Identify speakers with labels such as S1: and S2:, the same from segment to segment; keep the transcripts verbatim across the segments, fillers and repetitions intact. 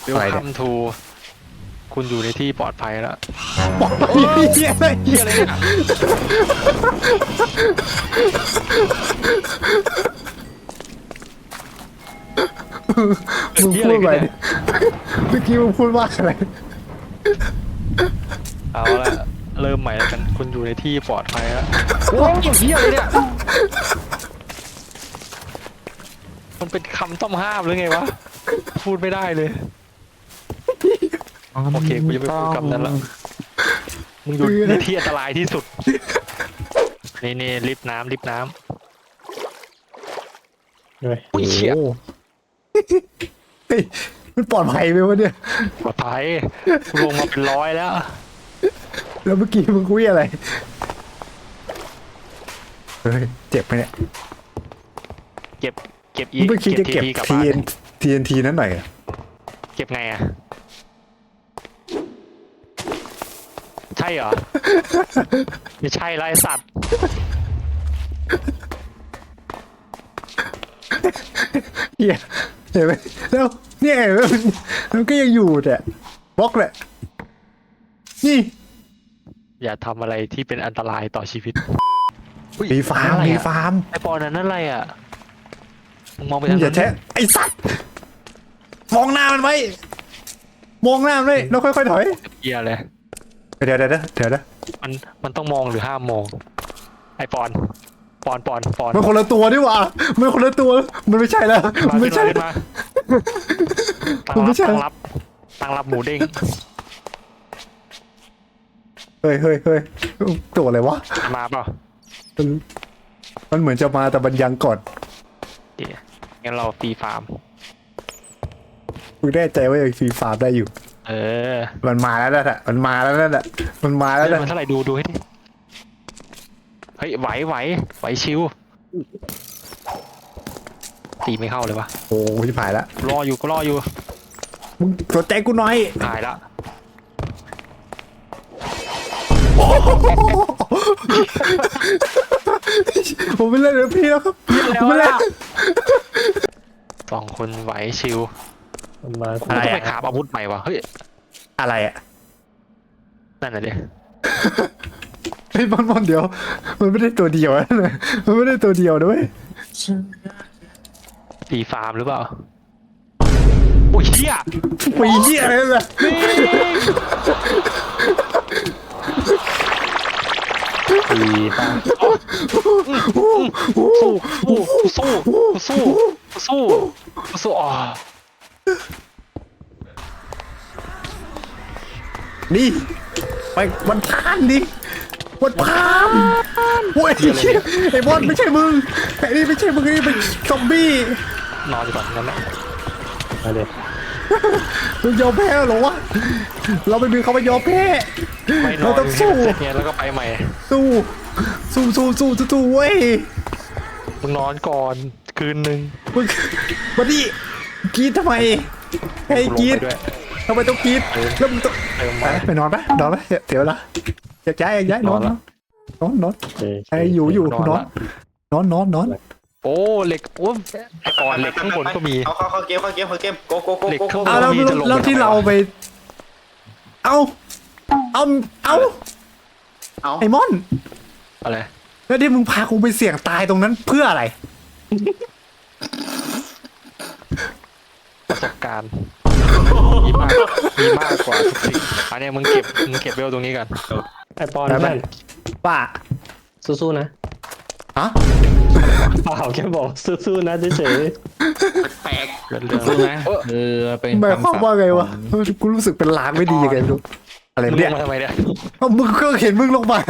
S1: เวลคัมทูคุณอยู่ในที่ปลอดภัยแล้ว
S2: บอกไปเฮียอะไร
S1: เฮียอะไรเนี่ย
S2: มึงพูดไปดิเมื่อกี้มึงพูดว่าอะไร
S1: เอาละเริ่มใหม่แล้วกันคุณอยู่ในที่ปลอดภัยแล้วโอ้ยเฮียอะไรเนี่ยมันเป็นคำต้องห้ามหรือไงวะพูดไม่ได้เลยโอเคกูจะไม่พูดคำนั้นละมึงอยู่ในที่อันตรายที่สุดนี่นี่ลิฟต์น้ำลิฟต์น้ำอุ้ยเชี่ย
S2: เฮ้ยมันปลอดภัยไหมวะเนี่ย
S1: ปลอดภัยกูลงมาเป็นร้อยแล้ว
S2: แล้วเมื่อกี้มึงคุยอะไรเฮ้ยเจ็บไหมเนี่ย
S1: เก็บเก็บอี
S2: มึงไม่คิดจะเก็บ
S1: ทีกลับ
S2: ที
S1: บ้าน
S2: เอ็นทีเอ็นทีนั้นหน่อยเหรอ
S1: เก็บไงอ่ะใช่เหรอไม่ใช่ไรสัตว์
S2: เฮียเห็นไหมแล้วเนี่ยเห็นไหมมันมันก็ยังอยู่แต่บล็อกแหละนี่
S1: อย่าทำอะไรที่เป็นอันตรายต่อชีวิต
S2: มีฟาร์ม
S1: อะไร
S2: มี
S1: อะ
S2: ฟาร์ม
S1: ไอปอนนั้นอะไรอ่ะมึงมองไป
S2: มึ
S1: ทาง ง
S2: อย่า
S1: นั้น
S2: แช่ไอ้สัตว์มองหน้ามันไว้มองหน้ามันไว้แล้วค่อยๆถอย
S1: เกียเลย
S2: เดี๋ยวเดี๋ยวเดี๋ยวเดี๋ยวนะ
S1: มันมันต้องมองหรือห้ามมอง ไอปอนปอนปอนปอน
S2: มันคนละตัวนี่หว่ามันคนละตัวมันไม่ใช่แล้วมันไม่ใช่
S1: ขึ้นมา
S2: มันไม่ใช่
S1: ตั้งรับตั้งรับหมูเด้ง
S2: เฮ้ยเฮ้ยเฮ้ยตัวอะไรวะ
S1: มาเปล่า
S2: มันมันเหมือนจะมาแต่มันยังก่อน
S1: เดี๋ยวงั้นเราฟรีฟาร์ม
S2: มึงแน่ใจว่ายังฟรีฟาร์มได้อยู่
S1: เออ
S2: มันมาแล้วนะมันมาแล้วนะมันมาแล้ว
S1: เฮ้ย
S2: นะ
S1: มันเท่าไหร่ดูดูให้ดิเฮ้ยไหวไหวไหวชิวตีไม่เข้าเลยวะ
S2: โอ้ยผ่านละ
S1: รออยู่ก็รออยู่
S2: มึงสนใจกูหน่อย
S1: หายละ
S2: ผมไม่เล่นเดี๋ยวพี่แล้วครับผมไม่เล่น
S1: สองคนไหวชิว
S3: มา
S1: กูต้องไปขาบอาวุธใหม่วะเฮ้ย
S2: อะไรอ่ะ
S1: นั่นน่ะดิ
S2: ไอ้บอลบอลเดียว มันไม่ได้ตัวเดียวนะมันไม่ได้ตัวเดียวด้วย
S1: ฟรีฟาร์มหรือเปล่าโอ้ยเฮีย
S2: ปีเหี้ยอะไรเนี่ย
S3: ดีป่ะ
S1: สู้สู้สู้สู้สู้สู้อ๋อ
S2: นี่ไปวันพานดิวันพานโอ้ยไอ้บอลไม่ใช่มึงไอ้นี่ไม่ใช่มึงนี่เป็นซอมบี้
S1: นอนดีกว่างั้นแหละ
S3: มาเด็ด
S2: มึงยอมแพ้เหรอวะเราไม่มีคำว่ายอมแพ้
S1: ไม่นอ
S2: เรา
S1: น
S2: ต้องสู้
S1: เสร็จเนี่ยแล้วก็ไปใหม่
S2: สู้สู้สู้สู้สู้สู้เว้ย
S1: มึงนอนก่อนคืนนึง
S2: มึงมาดิกรีดทำไมให้กรีด
S1: ด้วย
S2: ทำไมต้องกรีดแล้วมึงต้อง
S1: เติม
S2: ไป
S1: มา
S2: ไปนอนปะนอนปะเดี๋ยวละอยากย้ายอยากย้ายนอน
S1: นอนละ
S2: นอนนอน
S3: โอเค
S2: ไอ้อยู่อยู่
S1: นอน
S2: นอน
S1: ละ
S2: นอนนอนนอน
S1: โอ้เหล็กโอ้ไอปอนเหล็กข้างบนก็มี
S4: เอาเข้าเข้าเกมเข้าเกมเข้าเกมโกโกโก
S1: เหล็ก
S4: โก
S1: ข้างบ
S2: เอาแล้ว
S1: มีจะลง
S2: แล้วที่
S1: ไปทำไม
S2: เรา
S1: วะ
S2: ไป เอาเอาเอา
S4: เอา
S2: ไอ้มอน
S1: อะไร
S2: แล้วที่มึงพากูไปเสี่ยงตายตรงนั้นเพื่ออะไร
S1: ประสบการณ์มีมากมีมากกว่าทุกสิ่งอันเนี้ยมึงเก็บมึงเก็บเวลตรงนี้กัน
S3: ไอปอน
S2: ไปไป
S3: เพื่อน
S2: ป้า
S3: สู้ๆนะ
S2: ฮะ
S3: เปล่าแค่บอกสู้ๆนะเฉย
S4: แปลก
S1: เรื่องเรื่อง
S5: รู้ไหมคือเป็น
S2: หมายความ
S5: คำศัพท์
S2: ว่าไง
S5: ข
S2: วะ
S5: อง
S2: กูรู้สึกเป็นลางไม่ดียังไงไม่รู้อะไร
S1: มึงล
S2: เนี่ย
S1: งมาทำไมเนี่ย
S2: เอามึงก็เห็นมึงลงมา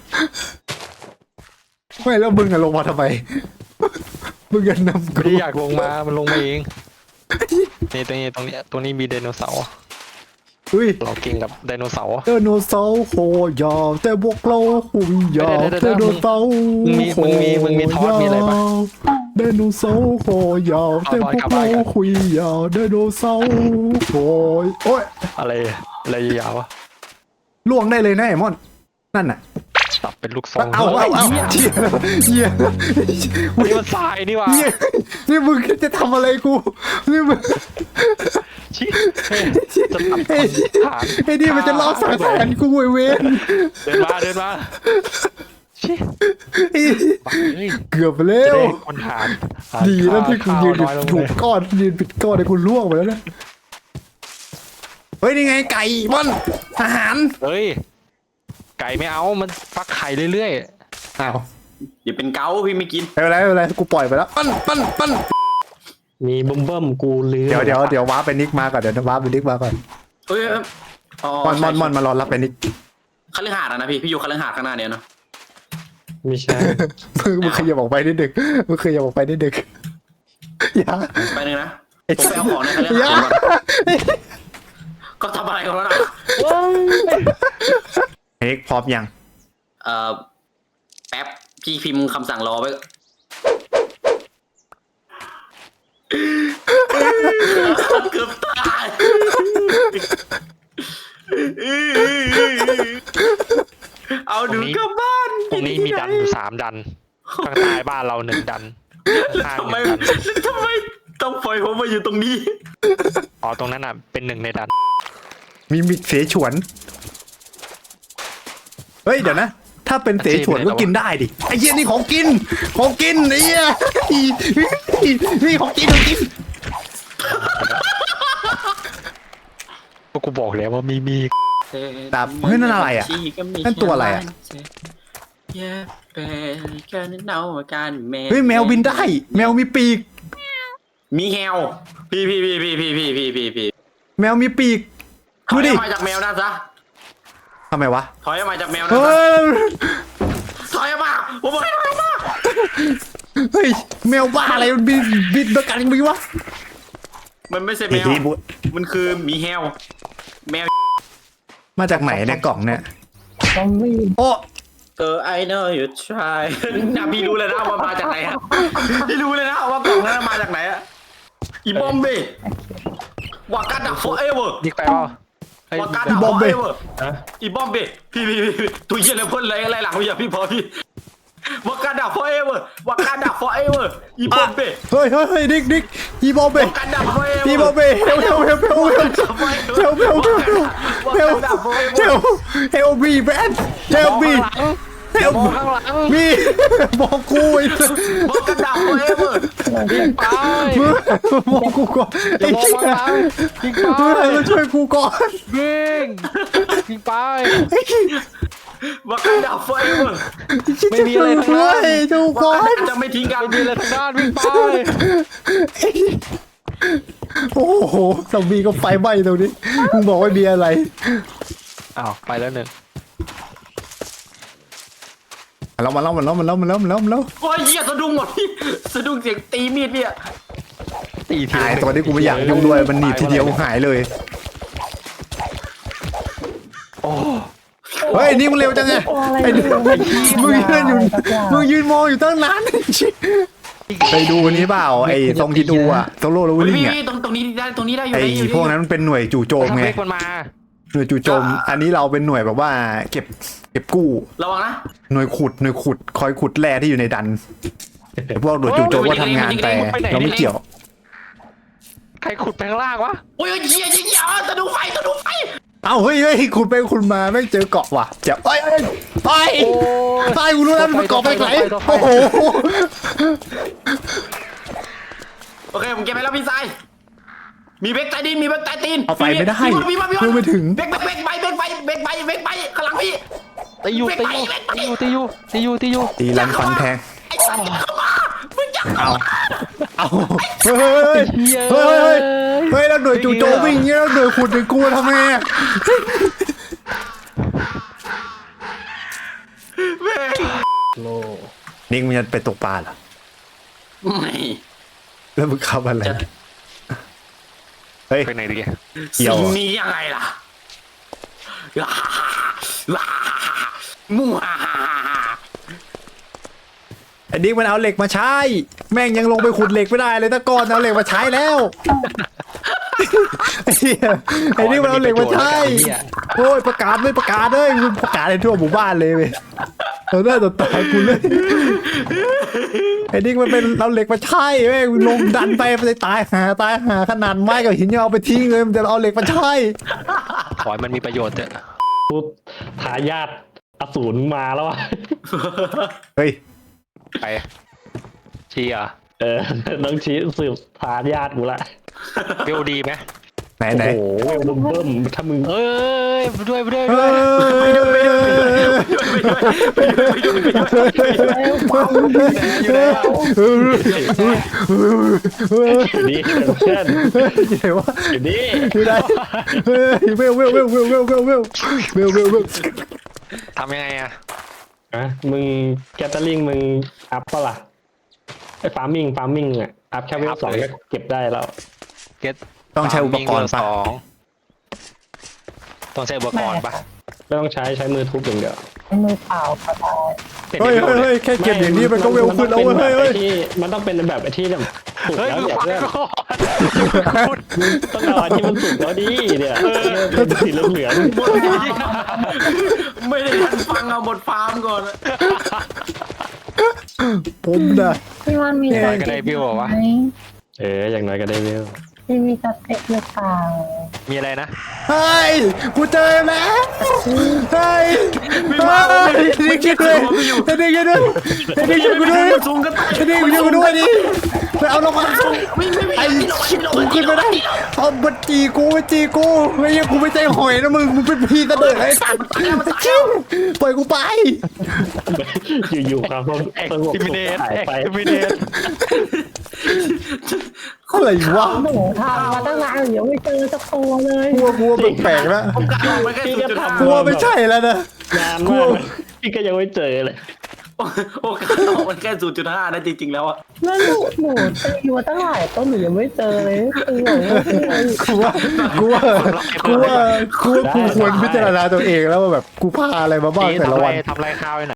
S2: ไม่แล้วมึงอะลงมาทำไมมึงอะนำ
S1: ไม่
S2: กู
S1: ได้อยากลงมามันลงมาเองนี่ตรงนี้ตรงนี้ตรงนี้มีไดโนเสาร์
S2: อุ้ย
S1: เราเก่งกับไดโนเสาร์
S2: ไดโนเสาร์โหยาวแต่พวกเราหุ่นยาว
S1: เดี๋ยวเดี๋ยว
S2: ได
S1: เดี๋ยว
S2: โนเสาร์
S1: มึงมีมึงมีมึงมีทอสมีอะไรปะ
S2: ไดโนเสาร์โหยาวแต่พวกเราหุ่นยาวไดโนเสาร์โหยโอ้ย
S1: อะไรอะไรยาวๆวะ
S2: ล่วงได้เลยนะไอ้มอนนั่นน่ะ
S1: สับเป็นลูกซอง
S2: เอาเอาเอา
S1: เหี้ย
S2: เหี้ยเหี้ย
S1: นี่มันทรายนี่หว่า
S2: เหี้ยนี่มึงจะทำอะไรกูนี่มึง
S1: ชิจะตัด
S2: ไอ้
S1: ฐาน
S2: ไอ้นี่มันจะรอบสังหารกูไอ้เวน
S1: เดินมาเดินมาชิ
S2: ไอ้
S1: เฮ้ย
S2: เกือบไปแล้
S1: จะ
S2: ว
S1: ได้คนฐาน
S2: ดีแล้วที่กูยืนอยู่
S1: ข้าวน้อยลง
S2: ถู
S1: เล
S2: ก
S1: ย
S2: ก้อนยืนปิดก้อนไอ้กูล่วงไปแล้วนะเฮ้ยนี่ไงไก่บอลอาหาร
S1: เฮ้ยไก่ไม่เอามันฟักไข่เรื่อย
S2: อ้าว
S4: อย่าเป็นเกาพี่ไม่กิน
S2: ไม่เป็นไรไม่เป็นไรกูปล่อยไปแล้วปั้นปั้นปั้น
S3: มีบึ้มเบิ้มกูลืม
S2: เดี๋ยวเดี๋ยวเดี๋ยวว้าไปนิกมาก่อนเดี๋ยวว้าไปนิกมาก่อน
S4: เอ้ยอ๋อ
S2: มอนมอนมอนมารอรับไปนิก
S4: คฤหาสน์อะนะพี่พี่อยู่คฤหาสน์ข้างหน้าเนี่ยเนาะ
S3: ไม่ใช่
S2: มึงมึงขยับออกไปนิดดึกมึงขยับออกไปนิดดึกอย่า
S4: ไปหนึ่งนะ
S2: ไอ้
S4: ผมไปเอาของในคฤ
S2: อย่า
S4: หาสน์ก่อนก็ทำอะไรกันแล้วนะ
S2: เฮ้ยพร้อมยัง
S4: เอ่อแป๊บพี่พิมพ์คำสั่งรอไว้เกือบตายเอาหนูกลับบ้าน
S1: ๆตรงนี้มีดันอยู่สามดันข้างใต้บ้านเราหนึ่งดันข้างห
S4: ทำไม
S1: นึ่งดัน
S4: ทำไมต้องปล่อยผมมาอยู่ตรงนี้
S1: อ๋อตรงนั้นอ่ะเป็นหนึ่งในดัน
S2: มีมิกเสฉวนเฮ้ยเดี๋ยวนะ ถ้าเป็นเสฉวนก็กินได้ดิไอ้เหี้ยนี่ของกินของกินไอ้เหี้ยนี่ของกินของกิน
S1: ก็กูบอกแล้วว่ามีมี
S2: แต่เฮ้ยนั่นอะไรอ่ะนั่นตัวอะไรอ่ะเฮ้ยแมวบินได้ แมวมีปีก
S4: มีแฮวพี่พี่พี่พี่พี่พี่พี่พี่พี่
S2: แมวมีปีก
S4: ถ
S2: ดู
S4: อย
S2: ดิ
S4: ออกมาจากแมวนั่นซะ
S2: ทำไมวะ
S4: ถอยออกมาจากแมวนั่น
S2: เฮ้
S4: ซะ
S2: ย
S4: ถอยออกมาผมบอกให้ถอยออกมา
S2: เฮ้ยแมวบ้าอะไรมันบินบินด้วยกันมีวะ
S4: มันไม่ใช่แมว มันคือหมีแฮวแมว
S2: มาจากไหนเนี่ยกล่องเนี่ย
S3: ต้องไม่
S2: โอ้
S4: เออ I know you try นะพี่รู้เลยนะว่ามาจากไหนอะพี่รู้เลยนะว่ากล่องนั้นมาจากไหนอะอีบอมเบ้วากันดา forever
S1: ยิกไปเปล่าเฮ้ยว
S4: ากันดา forever อีบอมเบ้พี่พี่พี่ตัวเยี่ยอะไรพ่นอะไรอะไรหลังพี่พี่พอพี่วากันดา forever วากันดา forever อีบอมเบ้
S2: เฮ้ยเฮ้ยเฮ้ยดิกดิกอีบอมเบ้
S4: วากันดา forever
S2: อีบอมเบ้เฮลเฮลเฮลเฮลเฮลเฮลเฮลเฮลเฮลเฮลเฮลบีแบนเฮลบีเฮล
S1: มองข้างหลัง
S2: มีบอกกูไอ้
S4: วากันดา forever
S1: ยิงไป
S2: มึงบอกกูก่อน
S1: อ
S2: ไอ้
S1: ย่ามอง
S2: เหี้ย
S1: ข้างหลังยิงไป
S2: มึงอะไรมาช่วยกูก่อน
S1: ยิงยิงไป
S4: วากันดา forever
S1: ไม่มีอะไรทั้ง
S2: เล
S1: นั้น
S2: ยจูก่อน
S4: จะไม่ทิ้งกัน
S1: ไม่มีอะไรทางด้านวิ่งไป
S2: โอ้โหซอมบี้ก็ไฟไหม้ตรงนี้มึงบอกว่ามีอะไร
S1: อ้าวไปแล้วหนึ่ง
S2: เรามาแล้วมาแล้วมาแล้วมาแล้วมาแล้วมาแล้ว
S4: โอ้ยเหี้ยสะดุ้งหมดพี่สะดุ้งเสียงตีมีดเนี่ย
S1: ตีที
S2: หาย
S1: ละหนึ่ง
S2: ตัวนี้กูไม่อยากยุ่งด้วยมันหนีบทีเดียวหายเลย
S1: โอ้
S2: เฮ้ยนี่มึงเร็วจังไงไอ้นี่มึงยืนอยู่มึงยืนมองอยู่ตั้งนานไปดูอันนี้เปล่าไอ้ตรงที่ดูอะโซโล่แล้ว
S4: เฮ้ย
S2: วิ่ง
S4: พี่
S2: อะ
S4: พี่ตรงตรงนี้ได้ตรงนี้ได้อยู่
S2: ไอ้
S4: ได้อยู่
S2: พวกนั้นมันเป็นหน่วยจู่โจม
S1: ทำ
S2: ไง
S1: เล็กมันมา
S2: หน่วยจู่โจม อันนี้เราเป็นหน่วยแบบว่าเก็บเก็บกู้
S4: ระวังนะ
S2: หน่วยขุดหน่วยขุดคอยขุดแร่ที่อยู่ในดันพวกหน่วยจู่โจมก็ทำงานแต่เราไม่เกี่ยว
S1: ใครขุดไปข้างล่างวะ
S4: โอ้ยเหี้ยเหี้ยเหี้ยสะดุ้งไฟสะดุ้งไฟ
S2: เอ้าเฮ้ยเฮ้ยขุดไปขุดมาไม่เจอเกาะว่ะเจ็บไปไป
S1: โอ้ย
S2: ตายกูรู้แล้วมันเกาะไปไหน
S1: ต่อไป
S2: โอ้โห
S4: โอเคผมเก็บไปแล้วพี่ชายมีเบรกใต้ดินมีเบรกใต้ตีน
S2: เอาไปไม่ได้
S4: พี่บอลพี่บอลพี่บอ
S2: เพื่
S4: ล
S2: อไม่ถึง
S4: เบรกเบรกเบรกไปเบรกไปเบรกไปเบรกไปข้างหลังพี่
S1: ตีอยู่ตีอยู่ตีอยู่ตีอยู่ตีอยู่ตีอยู่
S2: ตีลันฟันแทง
S4: ไอ้สัตว์เข้ามามึงจะ
S2: เอาเอาเฮ้ยเฮ้ยเฮ้ยเฮ้ยแล้วหน่วยจู่โจมวิ่งเงี้ยแล้วหน่วยขุดหน่วยกูทำไงอะ
S4: แม่ง
S3: โล
S2: นิกมึงจะไปตกปลาเหรอ
S4: ไม่
S2: แล้วมึงขับอะไร
S4: จะ
S2: เฮ้ย
S1: ไปไหนดี
S2: เกี่ยว
S4: สิ่งนี้ยังไงล่ะว้าว้ามั่ว
S2: ไอ้นิกมันเอาเหล็กมาใช้แม่งยังลงไปขุดเหล็กไม่ได้เลยตะกอนเอาเหล็กมาใช้แล้วไอ้เหี้ยไอ้นี่มันเอาเหล็กมาใช่โอ้ยประกาศไม่ประกาศเลยมึงประกาศในทั่วหมู่บ้านเลยเว้ยเราได้ต่อตายกูเลยไอ้นี่มันเป็นเอาเหล็กมาใช่เว้ยลงดันไปไปตายหาตายหาขนาดไม้กับหินยังเอาไปทิ้งเลยมันจะเอาเหล็กมาใช่
S1: ขอให้มันมีประโยชน์เถอะ
S3: กูทายาทอสูรมาแล้วอ่ะ
S2: เฮ้ย
S1: ไปเชียร์
S3: เออต้องชี้สืบทายาทกูละ
S1: เบลดีไหม
S2: ไหน
S3: โอ้
S2: ไหน
S3: โหเบิ่มๆถ้ามึง
S1: เอ้ยไปด้วยไปด้วย
S2: เอ
S1: ไปด้วย
S2: อ
S1: อยู่แล้ว
S3: อยู่นี่เพื่อน
S2: ไหนวะ
S3: อยู่นี่
S2: อยู่ไหนเฮ้ยเวลเวลเวลเวลเวลเวลเวลเวลเวลเวล
S1: ทำยังไงอะ
S3: อ่ะมึงแกตเตอริงมึงอัพเปะล่ะไอ้ฟาร์มิงฟาร์มิงอ่ะอัพแค่เวลสองก็เก็บได้แล้ว
S1: เก็ต
S2: ต้องใช้อุปกรณ์
S1: ส
S2: ปะ
S1: องต้องใช้อุปกรณ์ปะ
S3: ไม่ต้องใช้ใช้มือทุบอย่างเดียว
S5: มือเปล่าก็ได้
S2: เฮ้ยเฮ้ยเฮ้ยแค่เก็บอย่างนี้มันก็เวลขึ้นแล้วเว้ยเฮ้ยเฮ้ย
S3: มันต้องเป็นแบบไอ้ที่แบบสุก
S1: เฮ้ย
S3: แล้ว
S1: มึง
S3: เนี่ย
S1: ฟัง
S3: เพื่อน
S1: ก่อน
S3: ต้องเอาอันที่มันสุกแล้วดิเนี่ยเป็นสีเหลือง
S4: ไม่ได้ทันฟังเอาบทฟาร์มก่อน
S2: ผมนะ
S5: พี่วันมี
S1: น้อยก็ได้พี่บอกว่า
S5: ไหม
S3: ๆเอออย่างน้อยก็ได้เวล
S5: พี่มีสเต็กหรือเปล่า
S1: มีอะไรนะ
S2: เฮ้ยกูเจอแล้วเฮ้ยเฮ้ยนี่คิดเลยไอ้นี่คิดด้วยไอ้นี่ช่วยกูด้วย
S4: สูงกัน
S2: ไอ้นี่ช่วยกูด้วยดิไปเอาลงมา
S4: ไม่ไม่ไม่
S2: ไอ้กูขึ้นไม่ได้เอาบันจีกูบันจีกูไม่ใช่กูไม่ใจหอยนะมึงมึงเป็นพี่ตะเดิดไอ้สัตว์จิ้วปล่อยกูไป
S3: อยู่ๆความสง
S1: แอค
S3: สงบ
S1: ทิวิเดต
S3: หาย
S1: แอค
S3: ไป
S1: ทิวิเดต
S2: อะไรวะ
S5: หนูทำมาตั้งนานยังไม่เจอสักตัวเลย
S2: กลัวกลัวแปลกๆแล้ว
S4: ผมกะเอาไปแค่
S3: พี่
S4: ศูน
S3: ก็
S4: ย์จุดห้า
S2: กลัว
S3: ทำ
S2: ไม่ใช่แล้วนะ
S3: นานมากพี่ก็ยังไม่เจอเลย
S4: โอกาสออกมันแค่ศูนย์จุดห้านะจริงๆแล้วอะ
S5: แล้วหนูหนูตีมาตั้งหลายต้นหนูยังไม่เจอเลยคือหนูไม่เจอ
S2: กูว่ากูว่ากูว่ากูว่ากูควรพิจารณาตัวเองแล้วว่าแบบกูพาอะไรมาบ้าง
S1: นี่
S2: แต่
S1: ทำ
S2: ละ
S1: ไร
S2: วัน
S1: ทำไรข้าวให้หน่อย